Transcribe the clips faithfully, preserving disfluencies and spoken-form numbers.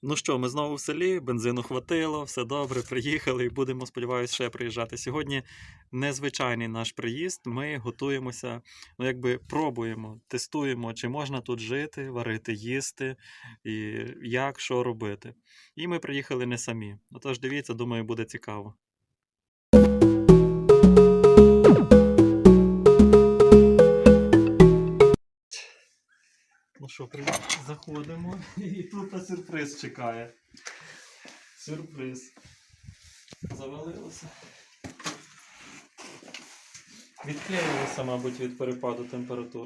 Ну що, ми знову в селі, бензину хватило, все добре, приїхали і будемо, сподіваюся, ще приїжджати. Сьогодні незвичайний наш приїзд, ми готуємося, ну якби пробуємо, тестуємо, чи можна тут жити, варити, їсти, і як, що робити. І ми приїхали не самі. Отож, дивіться, думаю, буде цікаво. Ну що, привіт, заходимо, і тут сюрприз чекає. Сюрприз. Завалилося. Відклеїлося, мабуть, від перепаду температур.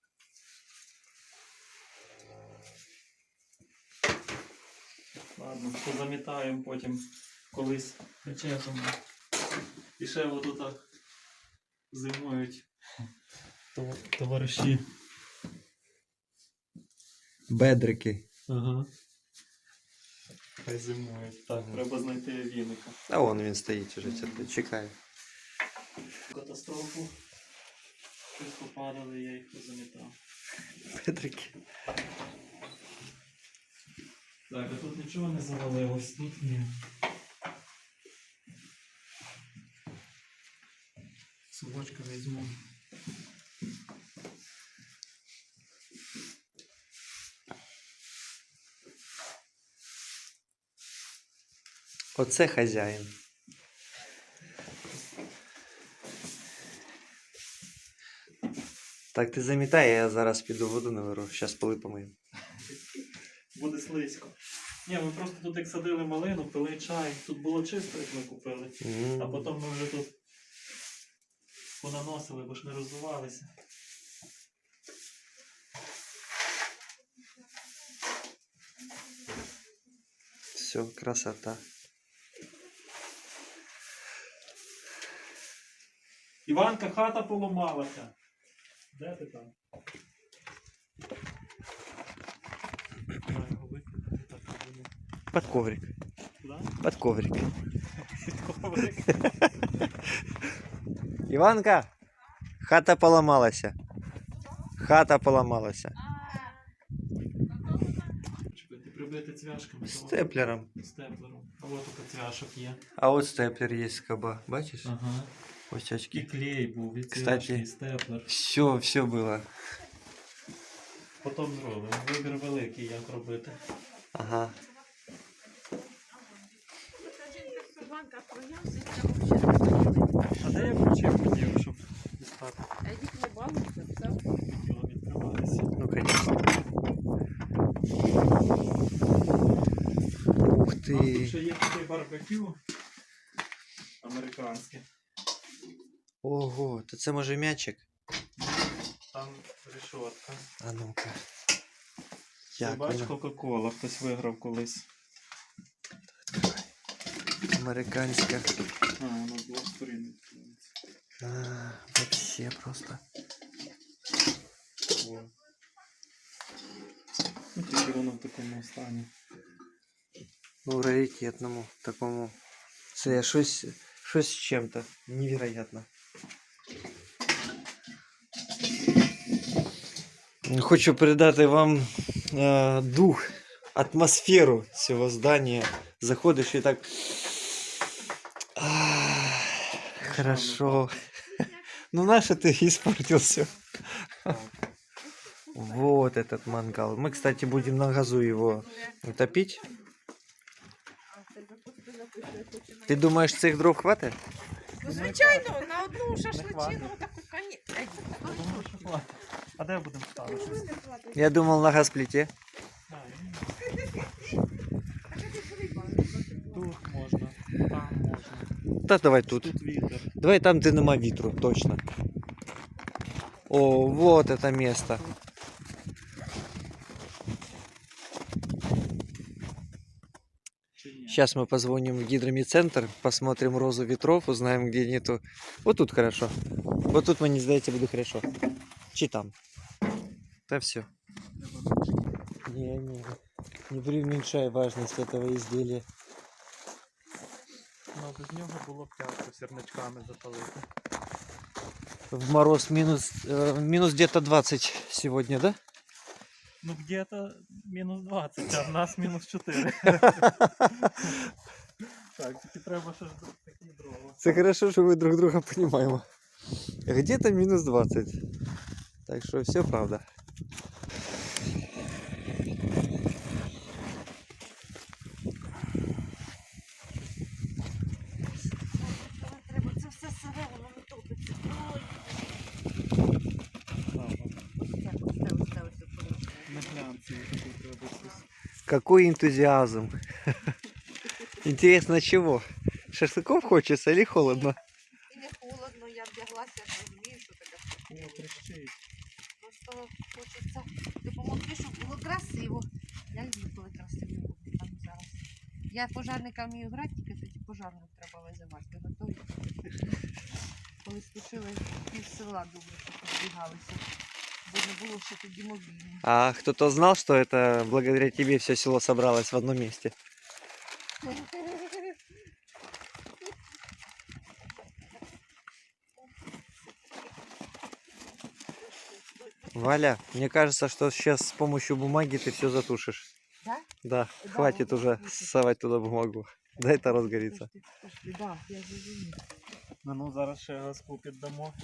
Ладно, позамітаємо потім колись причесом. І ще отут так зимують товариші. Бедрики. Ага. Хай зимують. Так, ага. Треба знайти віника. А вон він стоїть уже, чекає. Катастрофу. Щось попадали, я їх позамітав. Бедрики. Так, а тут нічого не завалилось, тут ні. Собачка візьму. Оце хазяїн. Так, ти замітай, я зараз піду воду наверу, зараз поли помию. Буде слизько. Ні, ми просто тут як садили малину, пили чай. Тут було чисто, як ми купили. Mm. А потім ми вже тут понаносили, бо ж не розвивалися. Все, красота. Іванка, хата поламалася. Де ти там? Под коврик. Куда? Под коврик. Под коврик. Іванка, хата поламалася. Хата поламалася. Чекай, ти прибити цвяшками. Степлером. Степлером. А от тут цвяшок є. А от степлер є з каба, бачиш? Ага. Ось очки. І клей був, і цвяшки, Кстати, і степлер. Все, все було. Потім зробимо. Вибір великий, як робити. Ага. А де я включив хотів, щоб дістати? Едік не балується, все. Хотіло відкриватися. Ну, конечно. Ух У нас тут ти. ще є такий барбекю американське. Ого, то це може м'ячик? Там решетка. А ну-ка. Ти Як бач, воно? Кока-Кола хтось виграв колись. Американська. А, воно з двох сторін відкривається. А, вообще просто. О. Ну, тільки воно в такому стані. Ну, раритетному такому. Це щось, щось з чим-то. Невероятно. Хочу передати вам е, дух, атмосферу цього здання. Заходиш і так. А, хорошо. Ну, наше ты испортил все. Вот этот мангал. Мы, кстати, будем на газу его топить. Ты думаешь, цих дров хватит? Ну, звичайно, на одну шашличину таку коні. Думаю, що хватить. А де будемо ставити? Я думал на газплите. А, тут можна, там можна. Да давай тут. Тут вітер. Давай там, где нема вітру, точно. О, вот это место. Сейчас мы позвоним в гидромедцентр, посмотрим розу ветров, узнаем, где нету. Вот тут хорошо. Вот тут, мені здається, буде хорошо. Чи там? Да все. Не, не, не преуменьшай важность этого изделия. Ну, без нього було б тяжко сірничками запалити. В мороз минус, э, минус где-то двадцать сегодня, да? Ну, где-то мінус двадцять, а в нас мінус чотири. Так, тільки треба ще ж такі дрова. Це хорошо, що ми друг друга розуміємо. Где-то мінус двадцять. Так що все правда. Треба це все сире, воно не топиться. Ой, Ага. ось це, ось це, ось це, ось це. На глянці таку треба щось. Какой энтузиазм. Интересно, чего? Шашлыков хочется или холодно? І не холодно, я вдяглася, я розумію, що таке. О, трещить. Просто хочеться допомогти, щоб було красиво. Я люблю, коли красиво буде там зараз. Я пожарника вмію грати, тільки тоді пожарник треба визивати. Ви готові? Коли стушили пів села, добре, що позбігалися. Бо не було ще тоді мобільні. А кто-то знал, что это благодаря тебе все село собралось в одном месте? Валя, мне кажется, что сейчас с помощью бумаги ты все затушишь. Да? Да, Да, хватит вот уже так вот. совать туда бумагу. Дай это разгорится. Пошли, да, я зрозумів. Ну, ну зараз ще газку піддамо.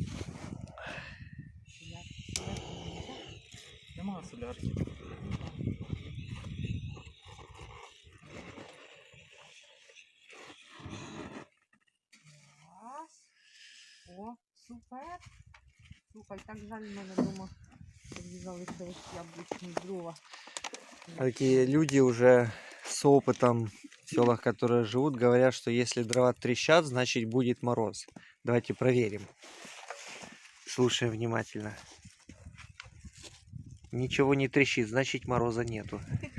Нема солярки. Раз. О, супер. Слухай, так жаль, в мене вдома залишились яблучні дрова. Такие люди уже с опытом в селах, которые живут, говорят, что если дрова трещат, значит будет мороз. Давайте проверим. Слушаем внимательно. Ничего не трещит, значит мороза нету.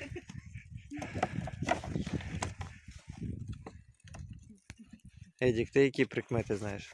Эдик, ты які прикмети знаєш?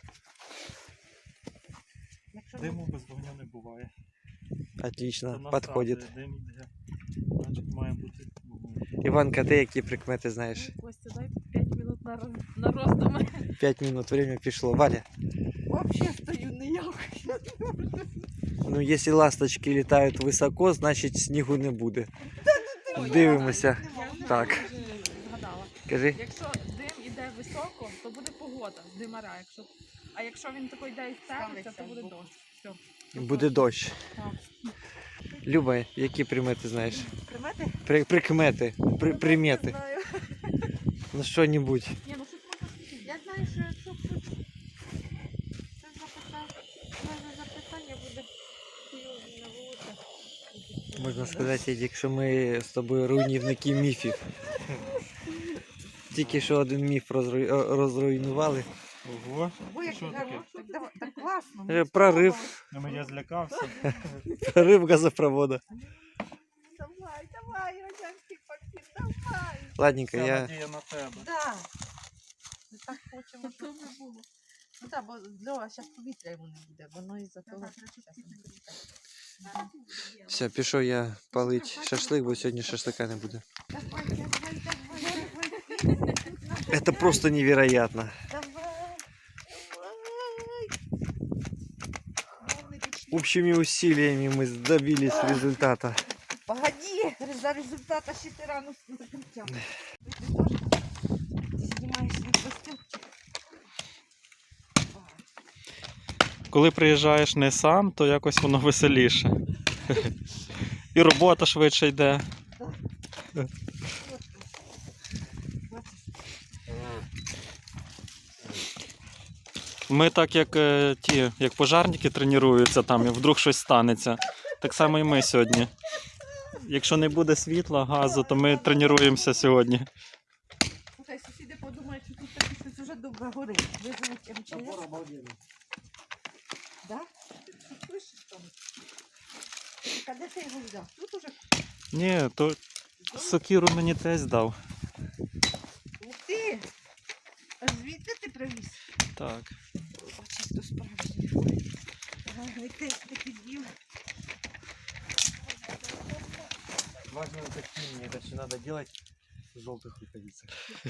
Якщо Диму без вогню не буває. Отлично, Це на подходит. станції дим йде. Значить має бути вогонь. Іванка, ти які прикмети знаєш? Костя, дай п'ять минут на, роз... на роздуми. Пять минут, время пішло. Валя, взагалі стою ніяк. ну якщо ласточки літають високо, значить снігу не буде. Дивимося. Так. Я вже згадала. Кажи. Якщо дим іде високо, то буде погода з димара. Якщо... А якщо він такий йде і ставиться, то буде дощ. Все. Буде дощ. Так. Люба, які примети знаєш? Примети? При, прикмети, при, Не примети. знаю. Ну що-небудь. Ні, ну щось можна сказати. Я знаю, що якщо хтось це запитання, мене запитання буде хуйові на вулицях. Можна сказати, Едік, що ми з тобою руйнівники міфів. Тільки що один міф розруй... о, розруйнували. Ого. Ой, як Що гарно, таке? так, давай- так класно. Е, мені прорив. сподобалось. Ну, я злякався. Прорив газопроводу. Давай, давай, радянський пакет, давай. Ладненько, Вся я... надія на тебе. Да. Ми так хочемо, То щоб вже було. Ну так, бо Льова зараз повітря йому не буде, воно із-за того, що щас не буде. Все, пішов я палить шашлик, бо сьогодні шашлика не буде. Давай, давай, давай, давай. Це просто невероятно. Давай, давай. Общими усилиями мы добились результата. Погоди, за результата ще ти рано закричав. Ти знімаєш свій костюмчик. Коли приїжджаєш не сам, то якось воно веселіше. І робота швидше йде. Ми так як е, ті, як пожарники тренуються там, і вдруг щось станеться. Так само і ми сьогодні. Якщо не буде світла, газу, то ми тренуємося сьогодні. Слухай, сусіди подумають, що тут таке щось уже добре горить. Визовуть ем че ес. Да? Ти що пишеш там? А де ти його взяв? Тут уже. Ні, то сокиру мені тесть дав. Ух ти! А звідти ти привіз? Так. Бачиш, то справжнє. Ага, не ти такий діл. Важно уточнение, это все надо делать в желтых рукавицах.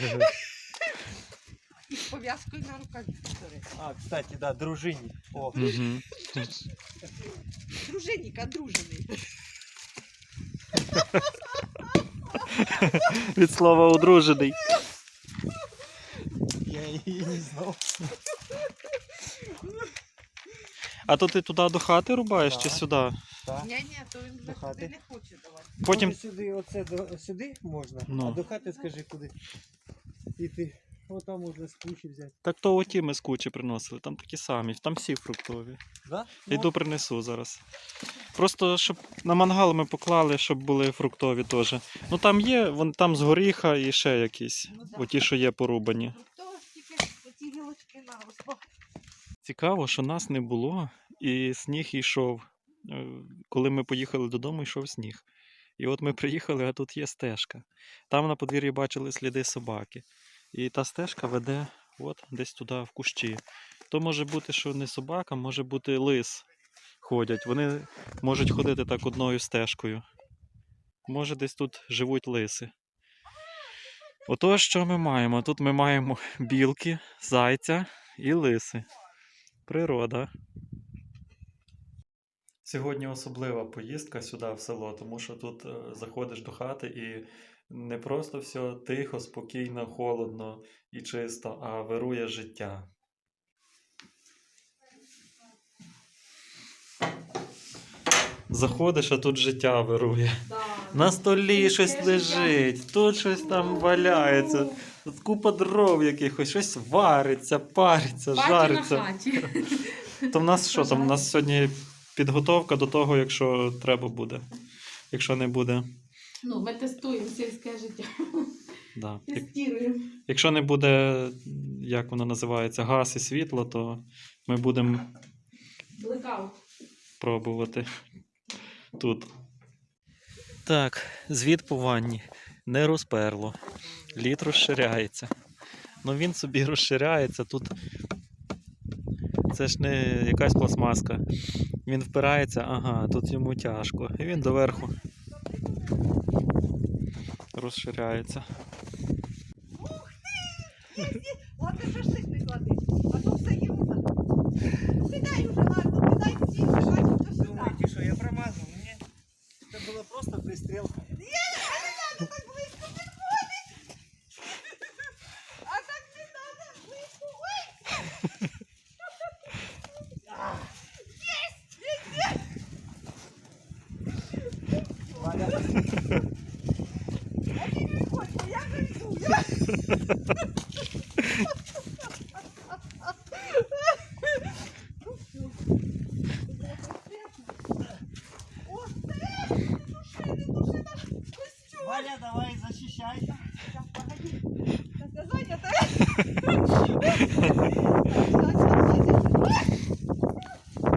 І з пов'язкою на рукаві. А, кстати, да, дружинник. О, Угу. Дружинник, одружений. Від слова одружений. Я її не знав. А то ти туди до хати рубаєш чи Так. сюди? Так. Ні-ні, то він До вже хати. туди не хоче давати. Потім Може, сюди, оце до, сюди можна, Ну. а до хати скажи куди. І ти, отам можна з кучі взяти. так то оті ми з кучі приносили, там такі самі, там всі фруктові. Да? Йду принесу зараз. Просто щоб на мангал ми поклали, щоб були фруктові теж. Ну там є, вон там з горіха і ще якісь. Ну, да. Оті, що є порубані. То тільки оті гілочки наросло. Цікаво, що нас не було, і сніг йшов. Е, Коли ми поїхали додому, йшов сніг. І от ми приїхали, а тут є стежка. Там на подвір'ї бачили сліди собаки. І та стежка веде от десь туди, в кущі. То може бути, що не собака, може бути лис ходять. Вони можуть ходити так одною стежкою. Може, десь тут живуть лиси. Ото що ми маємо? Тут ми маємо білки, зайця і лиси. Природа. Сьогодні особлива поїздка сюди в село, тому що тут е, заходиш до хати і не просто все тихо, спокійно, холодно і чисто, а вирує життя. Заходиш, а тут життя вирує. На столі щось лежить, тут щось там валяється, тут купа дров якихось, щось вариться, париться, жариться. хаті. То в нас що там? У нас сьогодні підготовка до того, якщо треба буде. Якщо не буде. Ну, ми тестуємо сільське життя. Да. Як- Тестуємо. Якщо не буде, як воно називається, газ і світло, то ми будемо Блекаут. пробувати тут. Так, звід по ванні. Не розперло. Лід розширяється. Ну він собі розширяється. Тут це ж не якась пластмаска. Він впирається, ага, тут йому тяжко. І він доверху розширяється. От ти шашлик не клади, а то все єрунда. Сідай уже, ладно, кидай всі, бачиш, то сюди. Думаєте, що я промазав? Ні. Це була просто пристрілка. А так не треба, близько. Ой! Валя. А ти не виходь, бо я вже йду. Я... О, це, не души, не души наш костюм. Валя, давай, защищайся. Сейчас, погоди. Сейчас я занята. Так, так, так, так.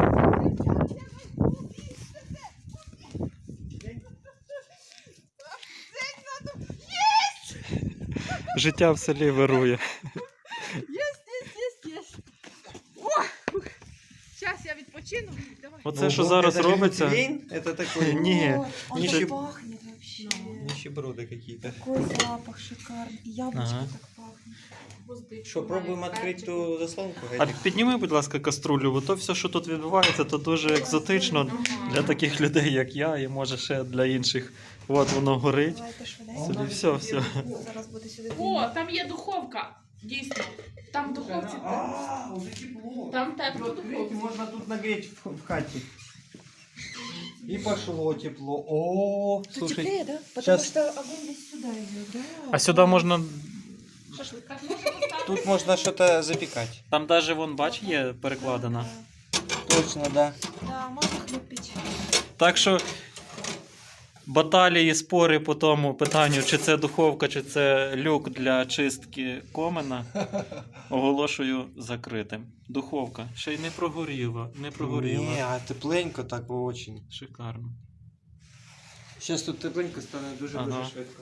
Життя в селі вирує. Есть, есть, есть, есть. О! Сейчас я відпочину. Давай. Оце, що зараз робиться. Это такой... Ні. Он Ничего. так пахнет вообще. Нищеброды какие-то. Такой запах шикарный. И яблочко Ага. так пахнет. Что, пробуем открыть ту заслонку? А підніми, будь ласка, каструлю, бо то все, що тут відбувається, то дуже екзотично для таких людей, як я, і може ще для інших. От воно горить. Давайте швиденько. Собі все, все. Зараз буде сюди. О, там є духовка. Дійсно. Там в духовці. А, уже тепло. Там тепло Вот, видите, духовка. можно тут нагреть в, в хате. И пошло тепло. О, Тут слушай, теплее, да? Потому щас- что огонь весь сюда идет, да? А сюди можна. Шашлик. Так можна поставити? тут можно что-то запекать. Там навіть вон, бач, є перекладена. Точно, да. Да, можно хлеб печь. Так що баталії, спори по тому питанню, чи це духовка, чи це люк для чистки комина, оголошую закритим. Духовка. Ще й не прогоріла, не прогоріла. Не, а тепленько так очень. Шикарно. Сейчас тут тепленько стане дуже Ага. дуже швидко.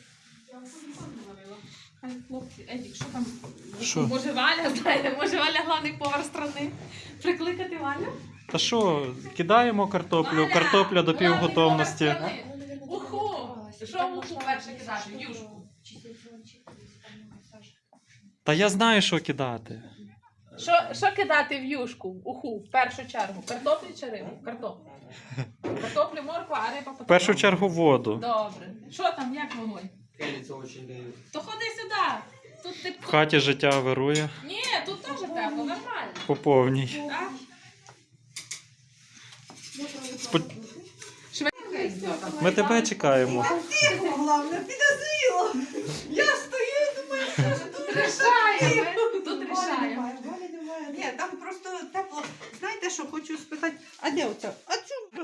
Хай хлопці, Едік, що там? Що? Може Валя знає, може Валя главний повар страни. Прикликати Валю? Та що, кидаємо картоплю, Валя, картопля до главний півготовності. повар страни. Уху! Що в уху перше кидати? Юшку. Та я знаю, що кидати. Що, що кидати в юшку, уху, в першу чергу? Картоплю чи рибу? Картоплю. Картоплю, морква, а риба потім. В першу чергу воду. Добре. Що там, як вогонь? То ходи сюди. Тут ти... В хаті життя вирує Ні, тут теж тепло, нормально. по повній. Так? Спо- Швидко. Ми тебе чекаємо. Головне, підозріло. Я стою, думаю, що ж тут Рішаємо. Тут Валі рішаємо. немає, Валі немає. Ні, там просто тепло. Знаєте, що хочу спитати, а де оце? А чому?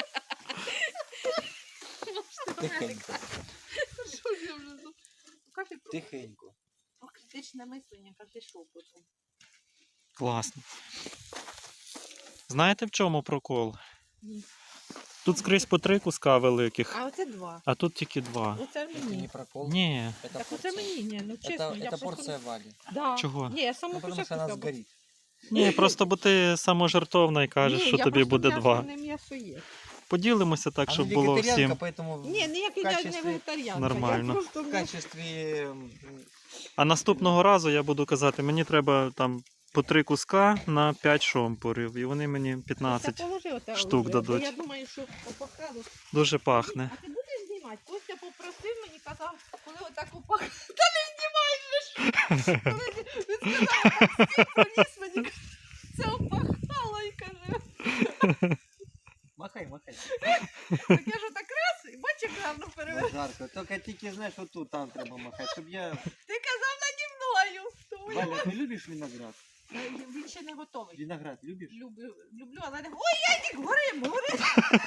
Тихенько. Що ж я вже тут? Кафе про Тихенько. критичне мислення, як ти шов потім. Класно. Знаєте, в чому прокол? Ні. Тут скрізь по три куска великих, А оце два. а тут тільки два. Оце Это не мені. прокол. Ні, Это Так оце порция. мені, ні, ну чесно. Это, я это вже порция Вали. Да. Чого? Ні, я саму Ну, потому что початку она забула. сгорит. ні, просто бо ти саможертовна і кажеш, Ні, що я тобі просто буде м'ясо, два. не м'ясо є. Поділимося так, Она щоб було вегетарианка, всім. поэтому Ні, ніякий в я не качестве- вегетаріанка. Нормально. Я просто в м'ясо- качестве м, А наступного разу я буду казати, мені треба там по три куска на п'ять шомпурів, і вони мені Це п'ятнадцять. положи оте штук оружие, бо дадуть. Я думаю, що опахало. Дуже пахне. А ти будеш знімати? Костя попросив мені, казав, коли отак опахало. Та не знімай же ж! Коли він сказав, так стій, приніс мені, каже, це опахало, і каже. махай, махай. Так я ж отак раз, і бач, як гарно Ну, перевели. жарко. Только тільки знаєш, от тут там треба махати, щоб я... Ти казав наді мною. Тому я- Валя, ти любиш виноград? Е, Він ще не готовий. Виноград любиш? Люблю, люблю, але не... Ой, Ядік, горим, горим!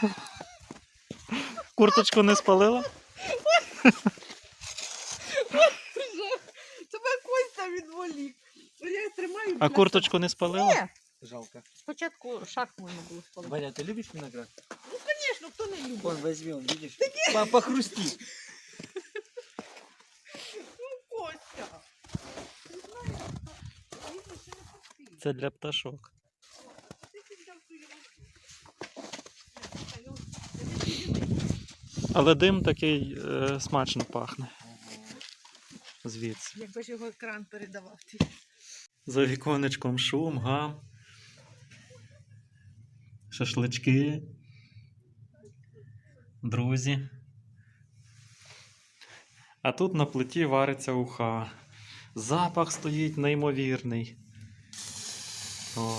Курточку не спалила? Жах. Тебе Костя відволік. Я тримаю. А курточку не спалила? Ні. Жалко. Спочатку шарф можна було спалити. Валя, ти любиш виноград? Звісно, хто не любить. Вон, возьми, он, видишь? По- Похрусти. Костя. Ти знаєш, що він ще не пустив. Це для пташок. Ти піддав свою руку. Але дим такий е, смачно пахне. Звідси. Якби ж його екран передавав. Ти. За віконечком шум, гам. Шашлички. Друзі. А тут на плиті вариться уха. Запах стоїть неймовірний. О.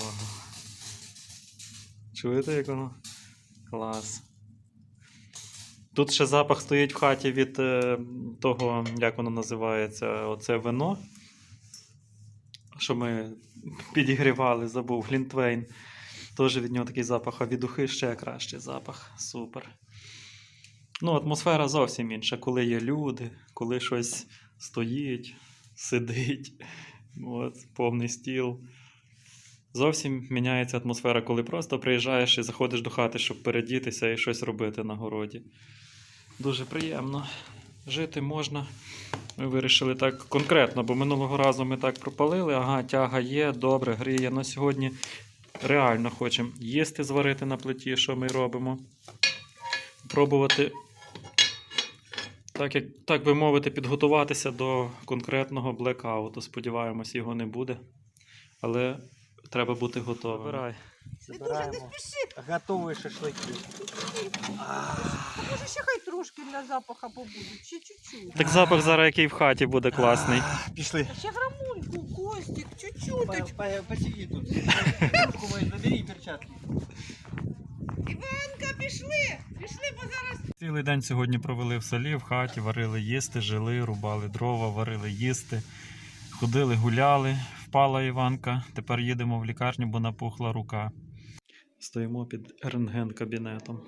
Чуєте, як воно? Клас. Тут ще запах стоїть в хаті від е, того, як воно називається, оце вино, що ми підігрівали, забув, глінтвейн. Теж від нього такий запах, а від ухи ще кращий запах. Супер. Ну, атмосфера зовсім інша, коли є люди, коли щось стоїть, сидить, от, повний стіл. Зовсім міняється атмосфера, коли просто приїжджаєш і заходиш до хати, щоб передітися і щось робити на городі. Дуже приємно. Жити можна. Ми вирішили так конкретно, бо минулого разу ми так пропалили, ага, тяга є, добре, гріє. Но сьогодні реально хочемо їсти, зварити на плиті, що ми робимо. Пробувати, так, як, так би мовити, підготуватися до конкретного блекауту. Сподіваємось, його не буде. Але треба бути готовим. Вибирай. Забираємо готові шашлики. Може ще хай трошки для запаха побудуть, ще чуть-чуть. Так запах зараз, який в хаті буде класний. А, Пішли. Ще грамульку, Костік, По- чуть-чуть. по- Посиди тут. Руку мою забери і перчатки. Іванка, пішли! Пішли, бо зараз... Цілий день сьогодні провели в селі, в хаті, варили їсти, жили, рубали дрова, варили їсти, ходили, гуляли. Впала Іванка, тепер їдемо в лікарню, бо напухла рука. Стоїмо під рентген-кабінетом.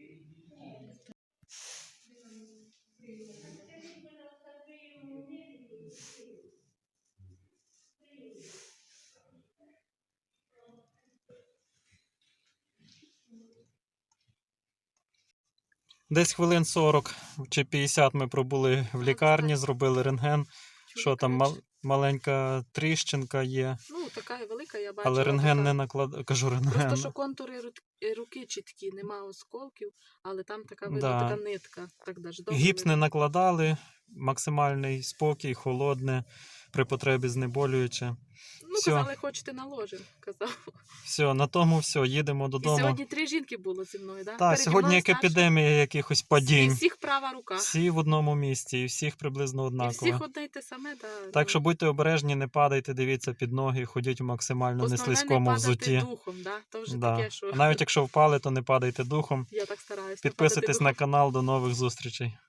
Десь хвилин сорок чи п'ятдесят ми пробули в лікарні, зробили рентген. Що там, мал- маленька тріщинка є, Ну, така велика, я бачила. але рентген така. не накладає. Кажу рентген. Просто що контури ру- руки чіткі, нема осколків, але там така видно, Да. така нитка. Так даже добре Гіпс не видно. накладали, максимальний спокій, холодне, при потребі знеболююче. Ну, Всьо. казали, хочете наложимо, казав. Все, на тому все, їдемо І додому. сьогодні три жінки було зі мною, так? Так, сьогодні як епідемія якихось падінь. І всіх права рука. Всі в одному місці, і всіх приблизно І однаково. всіх одне й те саме, да, Так ну, що будьте обережні, не падайте, дивіться під ноги, ходіть у максимально основне неслизькому не падати взутті. духом, да? То вже Да. таке, що А навіть якщо впали, то не падайте духом. я так стараюсь. не падати Підписуйтесь духом. на канал, до нових зустрічей.